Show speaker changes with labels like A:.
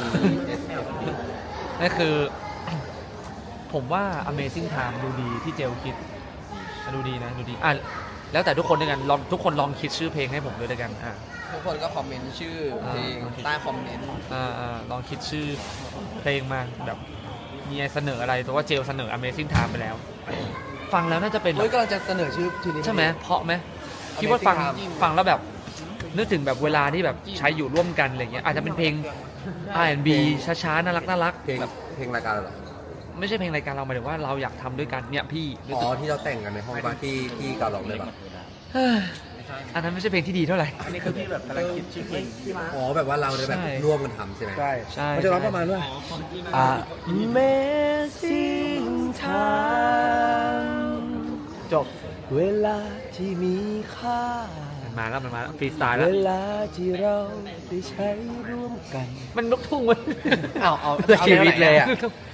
A: นั่นคือ ผมว่า Amazing Time ดูดีที่เจลคิดดูดีนะดูดีแล้วแต่ทุกคนด้วยกันทุกคนลองคิดชื่อเพลงให้ผมด้วยกัน
B: ทุกคนก็คอมเมนต์ชื่อเพลงใต้คอมเมนต์
A: ลองคิดชื่อเพลงมาแบบมีเสนออะไรแต่ว่าเจลเสนอ Amazing Time ไปแล้ว ฟังแล้วน่าจะเป็น
B: เฮ้ยกำลังจะเสนอชื่อนี้
A: ใช่ไหมเพราะไหมคิดว่าฟังแล้วแบบนึกถึงแบบเวลาที่แบบใช้อยู่ร่วมกันอะไรเงี้ยอาจจะเป็นเพลง R&B ช้าๆน่ารัก
C: เพลง
A: แบบ
C: เพลงรายการเหรอ
A: ไม่ใช่เพลงรายการเราหมายถึงว่าเราอยากทำด้วยกันเนี่ยพี่รู้สึก
C: ที่เราแต่งกันในห้องบ้านที่การร้องเลยป่ะ
A: อันนั้นไม่ใช่เพลงที่ดีเท่าไหร่
D: อันนี้คือพี่แบบกำลังคิดชื่อเพลง
C: แบบว่าเราได้แบบ
A: ใช่
C: ร่วมกันทำใช่ไหม
A: ใช่
D: มันจะร้องประมาณว่า Amazing Time จบเวลาที่มีค่า
A: มันมาแล้วฟรีสไตล์แล้ว
D: เวลาที่เราได้ใช้ร่วมกัน
A: มันลูกทุ่งเว้ย
B: เอา
D: ชีวิตเลยอะ